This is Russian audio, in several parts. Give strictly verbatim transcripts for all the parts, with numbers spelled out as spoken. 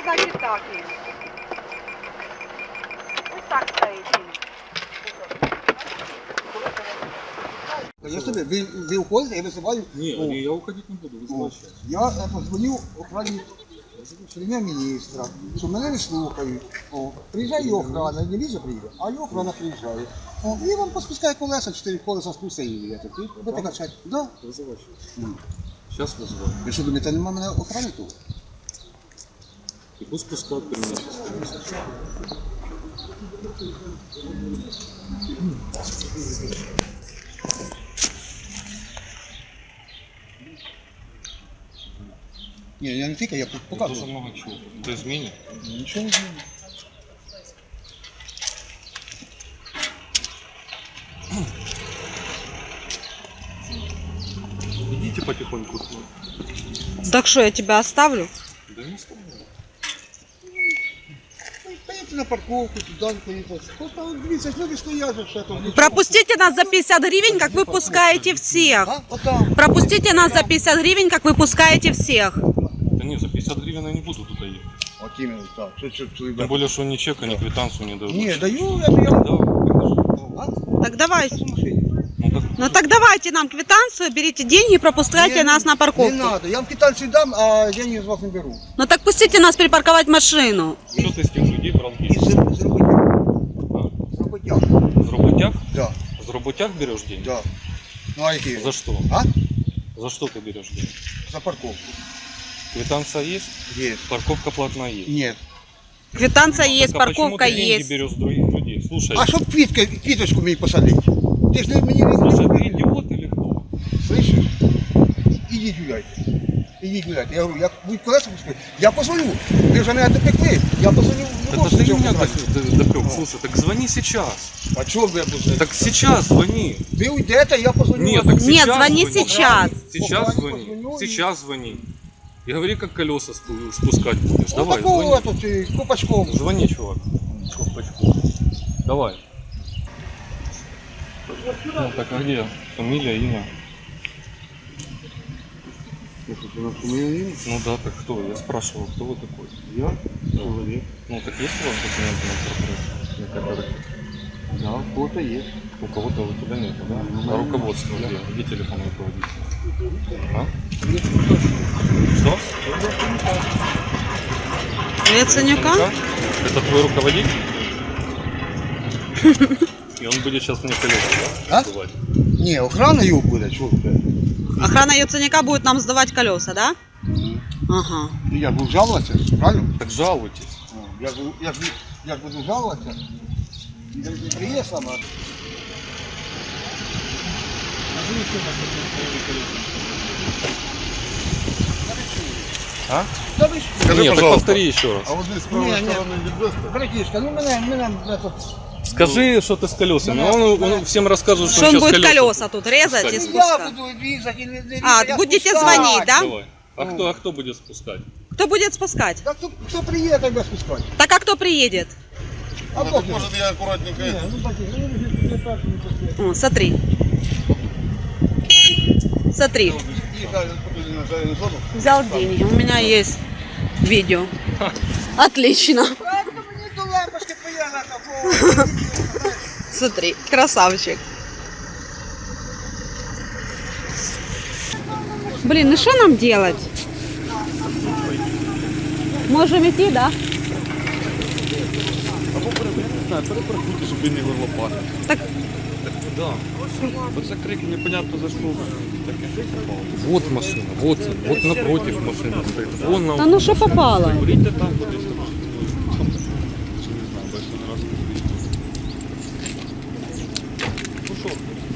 значить так є. Ось так стоїть. Конечно, вы, вы уходите, я вызываю. Не, о, я уходить не буду, вызывай сейчас. Я э, позвоню охрані прем'єр-міністра, що мене не слухають. О, приїжджає охрана, не віза приїде, а і охрана приїжджає. О, і вам поспускає колеса, чотири колеса спустя і їдете. Ви так кажете, да? Вызывай сейчас. Сейчас вызывай. Ви що думаєте, нема мене охрани тут? И пусть пускают при мне. Ні, я не тільки, я Тоже показую. много чего. Это изменит. Нічого не зміню. Идите потихоньку. Так що, я тебе оставлю? Да не ставлю. Поїдьте на парковку, туди поїдете. Просто дивіться, люди стоять, вже все там. Пропустите нас за пятьдесят гривен, как вы пускаете всех. А? Отам. Пропустите нас за пятьдесят гривен, как вы пускаете всех. Да не, за пятьдесят гривен я не буду туда ехать. От іменно так. Що, що, що, Тем более, что ни чека, ни квитанцию не дают. Ні, даю, я даю. Да, покажи. А? Так давайте. Це в машині. Ну так, Ну так давайте нам квитанцию, берите деньги и пропускайте Не, нас на Не парковку. надо, я вам квитанцию дам, а деньги з вас не беру. Ну так пустите нас припарковать машину. что ты с тех людей брал І деньги? з, з роботяг. А? З роботяг. С работяг? Да, С работяг берешь деньги? да. Ну а які? За что? А? За что ты берешь деньги? За парковку. Квитанция есть? Є. Парковка платная есть? Ні. Квитанция есть, Так, а почему парковка ты деньги есть. берешь с других людей? Слушай, А щоб квітки, квіточку мені посадити? Ти ж не мені не слушай, ты не- идиот или кто? Слышиш? Ідіть гуляйте. Ідіть гуляйте. Я говорю, я будь колеса пускати. Я позвоню. Ви вже мене допекли. Я позвоню в Это ты меня охрані. допек. Слушай, так звони сейчас. А чого ви позвоните? Так сейчас звони. Ви уйдете, я позвоню. Нет, вам. так сейчас Нет, звони сейчас. Сейчас Охране звони. позвоню и- Сейчас звони. И говори, как колеса спу- спускать будешь. Ну, Давай, такого звони. тут і копачком. Звони, чувак. Колпачку. Давай. Ну так, а где фамилия, имя? Ну да, так кто? Я спрашивал, кто вы такой? Я чоловік. Ну так есть у вас документы на прокурор? Да, в кого-то є. У кого-то у тебя нет, да? Ну, А руководство где? Где телефон руководителя? А? Что? Яценюка? Это твой руководитель? И он будет сейчас мне колеса, да? А? сдувать? Ні, охрана його буде, чого ви? Охрана Яценюка будет нам сдавать колеса, да? Ага. Ну, я буду жалуватися, правильно? Так жалуйтесь. Ну, Я ж буду- я ж буду- я ж буду жалуватися. І не приє сама. А? Та ви що? Скажи, Нет, так пожалуйста. повтори еще раз. А вот здесь с правой Не, не. стороны Ликбеста. Братишка, ну мене, мене, мене тут... Скажи, что ты с колесами. Он, он всем расскажет, что, Что он сейчас будет колеса тут резать и спускать. Ну, я спускать. буду різати, не, не А, я будете спускаю. звонить, да? Давай. А кто, а кто будет спускать? Кто будет спускать? Так хто, хто приїде, так я спускаю. Так а кто приедет? А Ну, Бог так не может я аккуратненько знає. это. Ну, братиш, ну, не- не так, не так. О, смотри. Смотри. Ехали потом на зеленую зону. Взял деньги. У меня есть видео. Отлично. Правильно, мені до лампочки приїхати. Смотри, красавчик. Блин, ну что нам делать? Можем идти, да? Перепаркуйте, щоб він не горлопати. Так, Да. Бо це крик непонятно за що. Таке попало. Вот машина, вот, вот напротив машина стоит. Вон на да ну что попало? Куріть там кудись. Чи не знаю, бо я ще не раз курив. Ну що?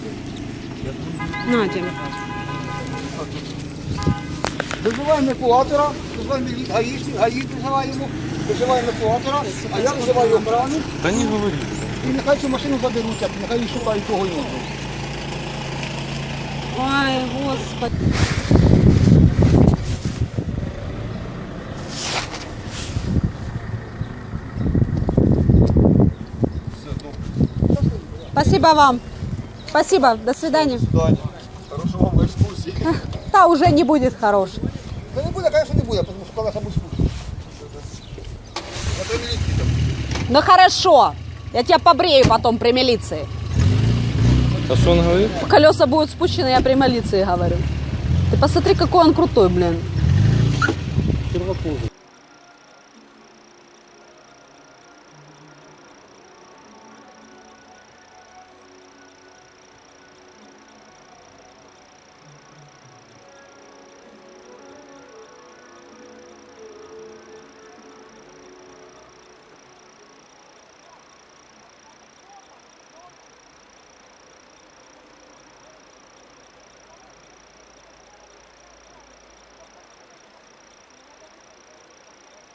На тебе. Визиваємо евакуатора, визиваємо гаїшник, гаїшник визиваємо, визиваємо евакуатора, а я визиваю охрану, Да не говори. і нехай цю машину заберуть, а нехай її шукають кого іншого. Ой, господи. Спасибо вам. Спасибо. До свидания. Даня, хорошого вам екскурсії. Да, уже не будет хороший. Та не буде, звісно, не буде, тому що колеса будуть спущені. Ну хорошо, я тебя побрею потом при милиции. А что он говорит? Колеса будут спущены, я при милиции говорю. Ты посмотри, какой он крутой, блин. Сервопоза.